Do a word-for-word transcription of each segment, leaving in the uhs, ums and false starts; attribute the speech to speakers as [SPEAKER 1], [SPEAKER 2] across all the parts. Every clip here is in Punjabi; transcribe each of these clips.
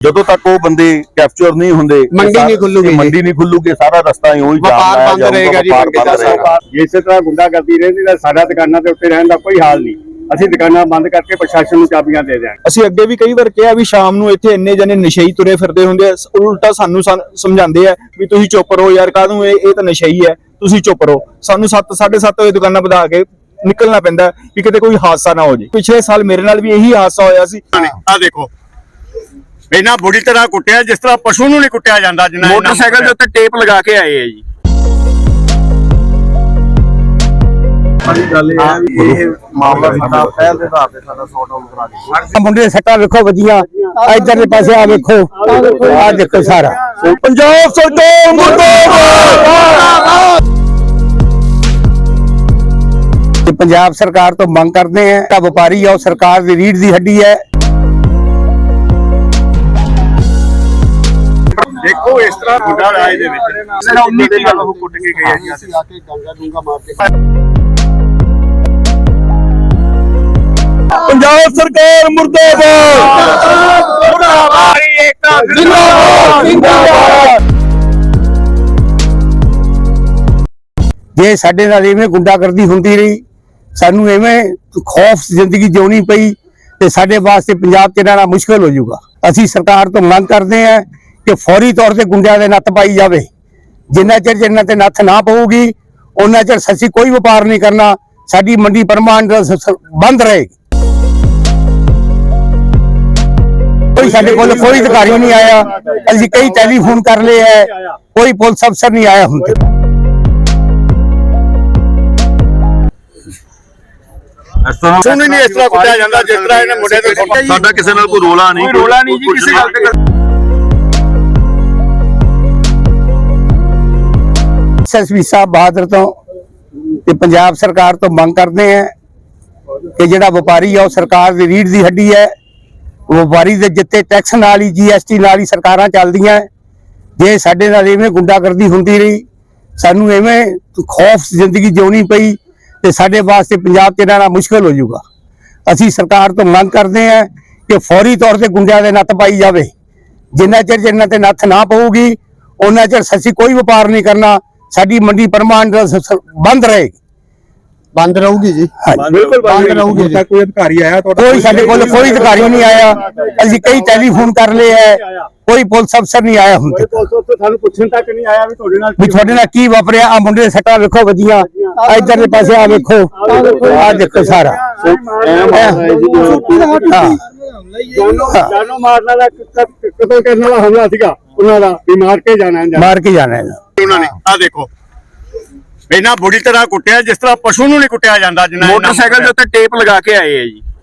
[SPEAKER 1] ਜਦੋਂ ਤੱਕ ਉਹ ਬੰਦੇ ਕੈਪਚਰ ਨਹੀਂ ਹੁੰਦੇ
[SPEAKER 2] ਮੰਡੀ ਨਹੀਂ ਖੁੱਲੂਗੀ
[SPEAKER 1] ਮੰਡੀ ਨਹੀਂ ਖੁੱਲੂਗੀ ਸਾਰਾ ਰਸਤਾ ਹੀ ਉਹੀ
[SPEAKER 2] ਵਪਾਰ ਬੰਦ ਰਹੇਗਾ ਜੀ
[SPEAKER 3] ਇਸੇ ਤਰ੍ਹਾਂ ਗੁੰਡਾਗਰਦੀ ਰਹਿੰਦੀ ਤਾਂ ਸਾਡਾ ਦੁਕਾਨਾਂ ਤੇ ਉੱਤੇ ਰਹਿਣ ਦਾ ਕੋਈ ਹਾਲ ਨਹੀਂ। ਅਸੀਂ ਦੁਕਾਨਾਂ ਬੰਦ ਕਰਕੇ ਪ੍ਰਸ਼ਾਸਨ ਨੂੰ ਚਾਬੀਆਂ ਦੇ ਦਿਆਂਗੇ।
[SPEAKER 4] ਅਸੀਂ ਅੱਗੇ ਵੀ ਕਈ ਵਾਰ ਕਿਹਾ ਵੀ ਸ਼ਾਮ ਨੂੰ ਇੱਥੇ ਇੰਨੇ ਜਣੇ ਨਸ਼ਈ ਤੁਰੇ ਫਿਰਦੇ ਹੁੰਦੇ ਆ, ਉਲਟਾ ਸਾਨੂੰ ਸਮਝਾਉਂਦੇ ਆ ਵੀ ਤੁਸੀਂ ਚੁੱਪ ਰਹੋ ਯਾਰ, ਕਾਹਨੂੰ ਇਹ ਇਹ ਤਾਂ ਨਸ਼ਈ ਹੈ, ਤੁਸੀਂ ਚੁੱਪ ਰਹੋ। ਸਾਨੂੰ ਸੱਤ ਸਾਢੇ ਸੱਤ ਵਜੇ ਦੁਕਾਨਾਂ ਵਧਾ ਕੇ ਨਿਕਲਣਾ ਪੈਂਦਾ ਕਿ ਕਿਤੇ ਕੋਈ ਹਾਦਸਾ ਨਾ ਹੋ ਜਾਏ। ਪਿਛਲੇ ਸਾਲ ਮੇਰੇ ਨਾਲ ਵੀ ਇਹੀ ਹਾਦਸਾ ਹੋਇਆ ਸੀ।
[SPEAKER 3] ਆ ਦੇਖੋ ਇਹਨਾਂ ਬੁਰੀ ਤਰ੍ਹਾਂ ਕੁੱਟਿਆ ਜਿਸ ਤਰ੍ਹਾਂ ਪਸ਼ੂ ਨੂੰ ਨਹੀਂ ਕੁੱਟਿਆ ਜਾਂਦਾ। ਜਿੰਨਾ
[SPEAKER 2] ਮੋਟਰਸਾਈਕਲ ਦੇ ਉੱਤੇ ਟੇਪ ਲਗਾ ਕੇ ਆਏ ਆ ਜੀ।
[SPEAKER 4] ਗੱਲ ਇਹ ਹੈ ਵੀ ਇਹ ਮਾਮਲਾ ਸਾਡਾ ਪਹਿਲ ਦੇ ਆਧਾਰ ਤੇ ਸਾਡਾ ਸੌਟ ਆਊਟ ਕਰਾ ਦਿੱਤਾ।
[SPEAKER 2] ਮੁੰਡੇ ਦੇ ਸੱਟਾਂ ਵੇਖੋ ਵੱਜੀਆਂ, ਇੱਧਰ ਦੇ ਪਾਸੇ ਆ ਵੇਖੋ, ਆ ਦੇਖੋ ਸਾਰਾ।
[SPEAKER 1] ਪੰਜਾਬ ਸਰਕਾਰ ਮੁਰਦਾਬਾਦ।
[SPEAKER 2] ਪੰਜਾਬ ਸਰਕਾਰ ਤੋਂ ਮੰਗ ਕਰਦੇ ਆ ਤਾਂ ਵਪਾਰੀ ਆ ਉਹ ਸਰਕਾਰ ਦੀ ਰੀੜ ਦੀ ਹੱਡੀ ਹੈ।
[SPEAKER 3] ਦੇਖੋ ਇਸ ਤਰ੍ਹਾਂ ਗੁੰਡਾ ਰਾਜ ਦੇ ਵਿੱਚ ਸਿਰਫ ਉਨੀ ਦੀ ਗੱਲ ਉਹ ਕੁੱਟ ਕੇ ਗਏ ਆ। ਅਸੀਂ ਆ ਕੇ ਗੰਗਾ ਡੂੰਗਾ ਮਾਰ ਕੇ
[SPEAKER 1] ਪੰਜਾਬ ਸਰਕਾਰ ਮੁਰਦਾਬਾਦ ਮੁਰਦਾਬਾਦ ਜਿੰਦਾਬਾਦ ਜਿੰਦਾਬਾਦ।
[SPEAKER 2] ਜੇ ਸਾਡੇ ਨਾਲ ਇਵੇਂ ਗੁੰਡਾਗਰਦੀ ਹੁੰਦੀ ਰਹੀ, ਸਾਨੂੰ ਐਵੇਂ ਖੌਫ ਜ਼ਿੰਦਗੀ ਜਿਉਣੀ ਪਈ ਤੇ ਸਾਡੇ ਵਾਸਤੇ ਪੰਜਾਬ 'ਚ ਰਹਿਣਾ ਮੁਸ਼ਕਲ ਹੋ ਜਾਊਗਾ। ਅਸੀਂ ਸਰਕਾਰ ਤੋਂ ਮੰਗ ਕਰਦੇ ਹਾਂ ਕਿ ਫੌਰੀ ਤੌਰ ਤੇ ਗੁੰਡਿਆਂ ਦੇ ਨੱਥ ਪਾਈ ਜਾਵੇ। ਜਿੰਨਾ ਚਿਰ ਜਿੰਨਾ ਤੇ ਨੱਥ ਨਾ ਪਊਗੀ ਉਹਨਾਂ ਚਿਰ ਅਸੀਂ ਕੋਈ ਵਪਾਰ ਨਹੀਂ ਕਰਨਾ। ਸਾਡੀ ਮੰਡੀ ਪਰਮਾਨੈਂਟ ਬੰਦ ਰਹੇਗੀ। ਕੋਈ ਸਾਡੇ ਕੋਲ ਕੋਈ ਅਧਿਕਾਰੀ ਨਹੀਂ ਆਇਆ। ਅਸੀਂ ਕਈ ਟੈਲੀਫੋਨ ਕਰ ਲਏ ਹੈ, ਕੋਈ ਪੁਲਿਸ ਅਫਸਰ ਨਹੀਂ ਆਇਆ ਹੁਣ ਤੱਕ।
[SPEAKER 3] ਸੁਣ ਨਹੀਂ ਇਸ ਤਰ੍ਹਾਂ ਕੁੱਟਿਆ ਜਾਂਦਾ ਜਿਸ ਤਰ੍ਹਾਂ ਇਹਨੇ ਮੁੰਡੇ ਤੇ
[SPEAKER 1] ਸਾਡਾ ਕਿਸੇ ਨਾਲ ਕੋਈ ਰੋਲਾ ਨਹੀਂ,
[SPEAKER 4] ਕੋਈ ਰੋਲਾ ਨਹੀਂ ਜੀ ਕਿਸੇ ਗੱਲ ਤੇ।
[SPEAKER 2] ਐਸਐਸਪੀ ਸਾਹਿਬ ਬਹਾਦਰ ਤੋਂ ਤੇ ਪੰਜਾਬ ਸਰਕਾਰ ਤੋਂ ਮੰਗ ਕਰਦੇ ਆ ਕਿ ਜਿਹੜਾ ਵਪਾਰੀ ਆ ਉਹ ਸਰਕਾਰ ਦੀ ਰੀੜ ਦੀ ਹੱਡੀ ਹੈ। ਵਪਾਰੀ ਦੇ ਜਿੱਤੇ ਟੈਕਸ ਨਾਲ ਹੀ ਜੀਐਸਟੀ ਨਾਲ ਹੀ ਸਰਕਾਰਾਂ ਚੱਲਦੀਆਂ। ਜੇ ਸਾਡੇ ਨਾਲ ਇਵੇਂ ਗੁੰਡਾਗਰਦੀ ਹੁੰਦੀ ਰਹੀ, ਸਾਨੂੰ ਐਵੇਂ ਖੌਫ ਜ਼ਿੰਦਗੀ ਜਿਉਣੀ ਪਈ ਤੇ ਸਾਡੇ ਵਾਸਤੇ ਪੰਜਾਬ 'ਚ ਰਹਿਣਾ ਮੁਸ਼ਕਲ ਹੋ ਜਾਊਗਾ। ਅਸੀਂ ਸਰਕਾਰ ਤੋਂ ਮੰਗ ਕਰਦੇ ਹਾਂ ਕਿ ਫੌਰੀ ਤੌਰ ਤੇ ਗੁੰਡਿਆਂ ਦੇ ਨੱਥ ਪਾਈ ਜਾਵੇ। ਜਿੰਨਾ ਚਿਰ ਜਿੰਨਾ ਤੇ ਨੱਥ ਨਾ ਪਊਗੀ ਉਹਨਾਂ ਚਿਰ ਅਸੀਂ ਕੋਈ ਵਪਾਰ ਨਹੀਂ ਕਰਨਾ। ਸਾਡੀ ਮੰਡੀ ਪਰਮਾਨੈਂਟ ਬੰਦ ਰਹੇਗੀ। ਬੰਦ ਰਹੂਗੀ ਜੀ,
[SPEAKER 4] ਬਿਲਕੁਲ
[SPEAKER 2] ਬੰਦ ਰਹੂਗੀ।
[SPEAKER 4] ਕੋਈ ਅਧਿਕਾਰੀ ਆਇਆ ਤੁਹਾਡਾ?
[SPEAKER 2] ਕੋਈ ਸਾਡੇ ਕੋਲ ਕੋਈ ਅਧਿਕਾਰੀ ਨਹੀਂ ਆਇਆ। ਅਸੀਂ ਕਈ ਟੈਲੀਫੋਨ ਕਰ ਲਏ ਹੈ, ਕੋਈ ਪੁਲਿਸ ਅਫਸਰ ਨਹੀਂ ਆਇਆ ਹੁਣ ਤੱਕ।
[SPEAKER 3] ਸਾਨੂੰ ਪੁੱਛਣ ਤੱਕ ਨਹੀਂ ਆਇਆ ਵੀ ਤੁਹਾਡੇ ਨਾਲ
[SPEAKER 2] ਵੀ ਤੁਹਾਡੇ ਨਾਲ ਕੀ ਵਾਪਰਿਆ। ਆ ਮੁੰਡੇ ਦੇ ਸੱਟਾਂ ਵੇਖੋ ਵੱਜੀਆਂ, ਇੱਧਰ ਦੇ ਪਾਸੇ ਆ ਵੇਖੋ, ਆ ਦੇਖੋ ਸਾਰਾ।
[SPEAKER 3] ਜਾਨੋਂ ਮਾਰਨ ਵਾਲਾ ਕਤਲ ਕਰਨ ਵਾਲਾ ਹਮਲਾ ਸੀਗਾ ਉਹਨਾਂ ਦਾ, ਵੀ ਮਾਰ ਕੇ ਜਾਣਾ
[SPEAKER 2] ਮਾਰ ਕੇ ਜਾਣਾ
[SPEAKER 3] ਉਹਨਾਂ ਨੇ। ਆ ਦੇਖੋ ਇਹਨਾਂ ਬੁਰੀ ਤਰ੍ਹਾਂ ਕੁੱਟਿਆ ਜਿਸ ਤਰ੍ਹਾਂ ਪਸ਼ੂ ਨੂੰ ਨਹੀਂ ਕੁੱਟਿਆ ਜਾਂਦਾ। ਜਿੰਨਾ
[SPEAKER 2] ਮੋਟਰਸਾਈਕਲ ਦੇ ਉੱਤੇ ਟੇਪ ਲਗਾ ਕੇ ਆਏ ਆ ਜੀ।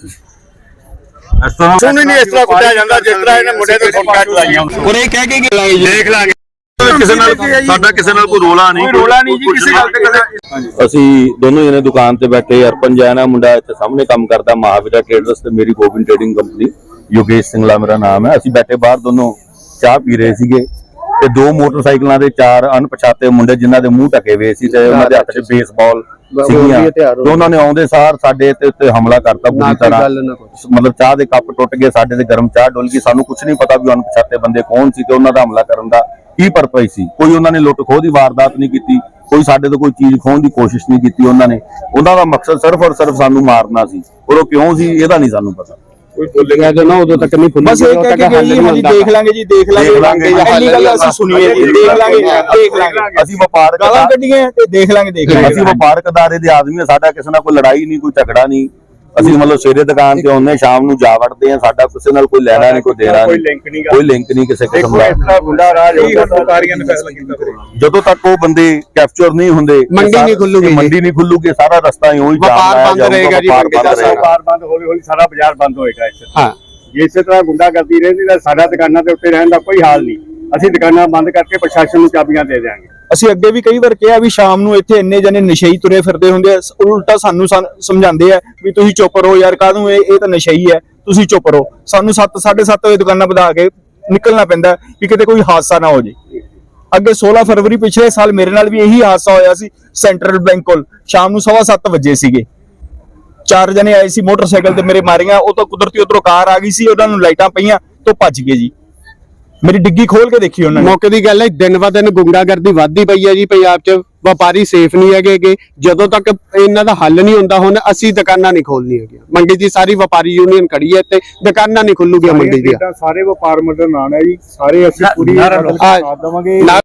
[SPEAKER 3] ਸੁਣ ਨਹੀਂ ਇਸ ਤਰ੍ਹਾਂ ਕੁੱਟਿਆ ਜਾਂਦਾ ਜਿਸ ਤਰ੍ਹਾਂ ਇਹਨੇ ਮੁੰਡੇ ਤੇ ਗੋਲੀਆਂ ਚਲਾਈਆਂ।
[SPEAKER 2] ਉਹ ਇਹ ਕਹਿ ਕੇ
[SPEAKER 3] ਦੇਖ ਲਾਂਗੇ
[SPEAKER 1] ਕਿਸੇ ਨਾਲ ਸਾਡਾ ਕਿਸੇ ਨਾਲ ਕੋਈ ਰੋਲਾ ਨਹੀਂ,
[SPEAKER 4] ਕੋਈ ਰੋਲਾ ਨਹੀਂ ਜੀ ਕਿਸੇ ਗੱਲ ਤੇ।
[SPEAKER 1] ਅਸੀਂ ਦੋਨੋਂ ਜਣੇ ਦੁਕਾਨ ਤੇ ਬੈਠੇ। ਅਰਪਨ ਜੈਨ ਆ ਮੁੰਡਾ, ਇੱਥੇ ਸਾਹਮਣੇ ਕੰਮ ਕਰਦਾ ਮਹਾਵੀਰਾ ਟ੍ਰੇਡਰਸ ਤੇ ਮੇਰੀ ਗੋਬਿੰਦ ਟ੍ਰੇਡਿੰਗ ਕੰਪਨੀ, ਯੋਗੇਸ਼ ਸਿੰਘਲਾ ਮੇਰਾ ਨਾਮ ਹੈ। ਅਸੀਂ ਬੈਠੇ ਬਾਹਰ ਦੋਨੋਂ ਚਾਹ ਪੀ ਰਹੇ ਸੀਗੇ ਤੇ ਦੋ ਮੋਟਰਸਾਈਕਲਾਂ ਦੇ ਚਾਰ ਅਣਪਛਾਤੇ ਮੁੰਡੇ ਜਿਨ੍ਹਾਂ ਦੇ ਮੂੰਹ ਢਕੇ ਹੋਏ ਸੀ ਤੇ ਉਹਨਾਂ ਦੇ ਹੱਥ 'ਚ ਬੇਸਬਾਲ ਸੀਗੀਆਂ ਤੇ ਉਹਨਾਂ ਨੇ ਆਉਂਦੇ ਸਾਰ ਸਾਡੇ ਤੇ ਉੱਤੇ ਹਮਲਾ ਕਰਤਾ ਬੁਰੀ ਤਰ੍ਹਾਂ। ਮਤਲਬ ਚਾਹ ਦੇ ਕੱਪ ਟੁੱਟ ਗਏ, ਸਾਡੇ ਤੇ ਗਰਮ ਚਾਹ ਡੁੱਲ ਗਈ। ਸਾਨੂੰ ਕੁਝ ਨਹੀਂ ਪਤਾ ਵੀ ਅਣਪਛਾਤੇ ਬੰਦੇ ਕੌਣ ਸੀ ਤੇ ਉਹਨਾਂ ਦਾ ਹਮਲਾ ਕਰਨ ਦਾ ਕੀ ਪਰਪਸ ਸੀ। ਕੋਈ ਉਹਨਾਂ ਨੇ ਲੁੱਟ ਖੋਹ ਦੀ ਵਾਰਦਾਤ ਨਹੀਂ ਕੀਤੀ, ਕੋਈ ਸਾਡੇ ਤੋਂ ਕੋਈ ਚੀਜ਼ ਖੋਹਣ ਦੀ ਕੋਸ਼ਿਸ਼ ਨਹੀਂ ਕੀਤੀ। ਉਹਨਾਂ ਨੇ ਉਹਨਾਂ ਦਾ ਮਕਸਦ ਸਿਰਫ ਔਰ ਸਿਰਫ ਸਾਨੂੰ ਮਾਰਨਾ ਸੀ। ਔਰ ਉਹ ਕਿਉਂ ਸੀ ਇਹਦਾ ਨਹੀਂ ਸਾਨੂੰ ਪਤਾ।
[SPEAKER 3] ਕੋਈ ਬੋਲੇਗਾ ਜੋ ਨਾ ਉਦੋਂ ਤੱਕ ਨਹੀਂ ਫੁੱਲੀ।
[SPEAKER 4] ਬਸ ਇਹ ਕਹਿ ਕੇ ਗਈ ਹਾਂਜੀ ਦੇਖ ਲਾਂਗੇ ਜੀ, ਦੇਖ ਲਾਂਗੇ। ਇੰਨੀ ਗੱਲ ਅਸੀਂ ਸੁਣੀਏ ਜੀ, ਦੇਖ ਲਾਂਗੇ ਦੇਖ ਲਾਂਗੇ।
[SPEAKER 1] ਅਸੀਂ ਵਪਾਰਕ
[SPEAKER 4] ਗਾਲਾਂ ਕੱਢੀਆਂ ਤੇ ਦੇਖ ਲਾਂਗੇ ਦੇਖ ਲਾਂਗੇ।
[SPEAKER 1] ਅਸੀਂ ਵਪਾਰਕ ਅਦਾਰੇ ਦੇ ਆਦਮੀ ਆ, ਸਾਡਾ ਕਿਸੇ ਨਾਲ ਕੋਈ ਲੜਾਈ ਨਹੀਂ, ਕੋਈ ਝਗੜਾ ਨਹੀਂ। ਅਸੀਂ ਮਤਲਬ ਸਵੇਰੇ ਦੁਕਾਨ ਤੇ ਆਉਂਦੇ, ਸ਼ਾਮ ਨੂੰ ਜਾ ਵੜਦੇ ਆ। ਸਾਡਾ ਕਿਸੇ ਨਾਲ ਕੋਈ ਲੈਣਾ ਨਹੀਂ, ਕੋਈ ਦੇਣਾ ਨਹੀਂ, ਕੋਈ ਲਿੰਕ ਨਹੀਂ ਕਿਸੇ ਕਿਸਮ ਦਾ।
[SPEAKER 3] ਗੁੰਡਾ ਰਾਜ
[SPEAKER 4] ਅਧਿਕਾਰੀਆਂ ਨੇ ਫੈਸਲਾ ਕੀਤਾ ਫਿਰ
[SPEAKER 1] ਜਦੋਂ ਤੱਕ ਉਹ ਬੰਦੇ ਕੈਪਚਰ ਨਹੀਂ ਹੁੰਦੇ
[SPEAKER 2] ਮੰਡੀ ਨਹੀਂ ਖੁੱਲੂਗੀ।
[SPEAKER 1] ਮੰਡੀ ਨਹੀਂ ਖੁੱਲੂਗੀ ਸਾਰਾ ਰਸਤਾ ਹੀ ਉਹੀ
[SPEAKER 2] ਵਪਾਰ ਬੰਦ ਰਹੇਗਾ ਜੀ।
[SPEAKER 3] ਵਪਾਰ ਬੰਦ ਹੌਲੀ ਹੌਲੀ ਸਾਰਾ ਬਾਜ਼ਾਰ ਬੰਦ ਹੋਏਗਾ ਇੱਥੇ।
[SPEAKER 2] ਹਾਂ,
[SPEAKER 3] ਇਸੇ ਤਰ੍ਹਾਂ ਗੁੰਡਾਗਰਦੀ ਰਹਿੰਦੀ ਤਾਂ ਸਾਡਾ ਦੁਕਾਨਾਂ ਤੇ ਉੱਤੇ ਰਹਿਣ ਦਾ ਕੋਈ ਹਾਲ ਨਹੀਂ। ਅਸੀਂ ਦੁਕਾਨਾਂ ਬੰਦ ਕਰਕੇ ਪ੍ਰਸ਼ਾਸਨ ਨੂੰ ਚਾਬੀਆਂ ਦੇ ਦਿਆਂਗੇ।
[SPEAKER 4] ਅਸੀਂ ਅੱਗੇ ਵੀ ਕਈ ਵਾਰ ਕਿਹਾ ਵੀ ਸ਼ਾਮ ਨੂੰ ਇੱਥੇ ਇੰਨੇ ਜਣੇ ਨਸ਼ਈ ਤੁਰੇ ਫਿਰਦੇ ਹੁੰਦੇ ਆ, ਉਲਟਾ ਸਾਨੂੰ ਸਮਝਾਉਂਦੇ ਆ ਵੀ ਤੁਸੀਂ ਚੁੱਪ ਰਹੋ ਯਾਰ, ਕਾਹਨੂੰ ਇਹ ਇਹ ਤਾਂ ਨਸ਼ਈ ਹੈ, ਤੁਸੀਂ ਚੁੱਪ ਰਹੋ। ਸਾਨੂੰ ਸੱਤ ਸਾਢੇ ਸੱਤ ਵਜੇ ਦੁਕਾਨਾਂ ਵਧਾ ਕੇ ਨਿਕਲਣਾ ਪੈਂਦਾ ਕਿ ਕਿਤੇ ਕੋਈ ਹਾਦਸਾ ਨਾ ਹੋ ਜਾਏ। ਅੱਗੇ सोलह फरवरी पिछले साल मेरे नाल भी यही हादसा होया सी। सेंट्रल बैंक कोल शाम नूं सवा सत्त वजे सीगे, चार जने आए सी मोटरसाइकिल ते मेरे मारियां। ਉਹ ਤਾਂ ਕੁਦਰਤੀ ਉਧਰੋਂ ਕਾਰ ਆ ਗਈ ਸੀ, ਉਹਨਾਂ ਨੂੰ ਲਾਈਟਾਂ ਪਈਆਂ ਤੋਂ ਭੱਜ ਗਏ ਜੀ। ਮੇਰੀ ਡਿੱਗੀ ਖੋਲ ਕੇ ਦੇਖੀ ਉਹਨਾਂ ਨੇ।
[SPEAKER 5] ਮੌਕੇ ਦੀ ਗੱਲ ਹੈ, ਦਿਨ ਬ ਦਿਨ ਗੁੰਡਾਗਰਦੀ ਵੱਧਦੀ ਪਈ ਹੈ ਜੀ ਪੰਜਾਬ 'ਚ। ਵਪਾਰੀ ਸੇਫ ਨਹੀਂ ਹੈਗੇ। ਜਦੋਂ ਤੱਕ ਇਹਨਾਂ ਦਾ ਹੱਲ ਨਹੀਂ ਹੁੰਦਾ, ਹੁਣ ਅਸੀਂ ਦੁਕਾਨਾਂ ਨਹੀਂ ਖੋਲਣੀ ਹੈਗੀਆਂ। ਮੰਡੀ ਦੀ ਸਾਰੀ ਵਪਾਰੀ ਯੂਨੀਅਨ ਖੜੀ ਹੈ ਤੇ ਦੁਕਾਨਾਂ ਨਹੀਂ ਖੁੱਲੂਗੀਆਂ ਮੰਡੀ ਦੀਆਂ।
[SPEAKER 3] ਸਾਰੇ ਵਪਾਰ ਮੰਡਲ ਨਾਲ ਹੈ ਜੀ, ਸਾਰੇ ਅਸੀਂ ਪੂਰੀ
[SPEAKER 5] ਆ-
[SPEAKER 3] ਸਾਥ ਦੇਵਾਂਗੇ।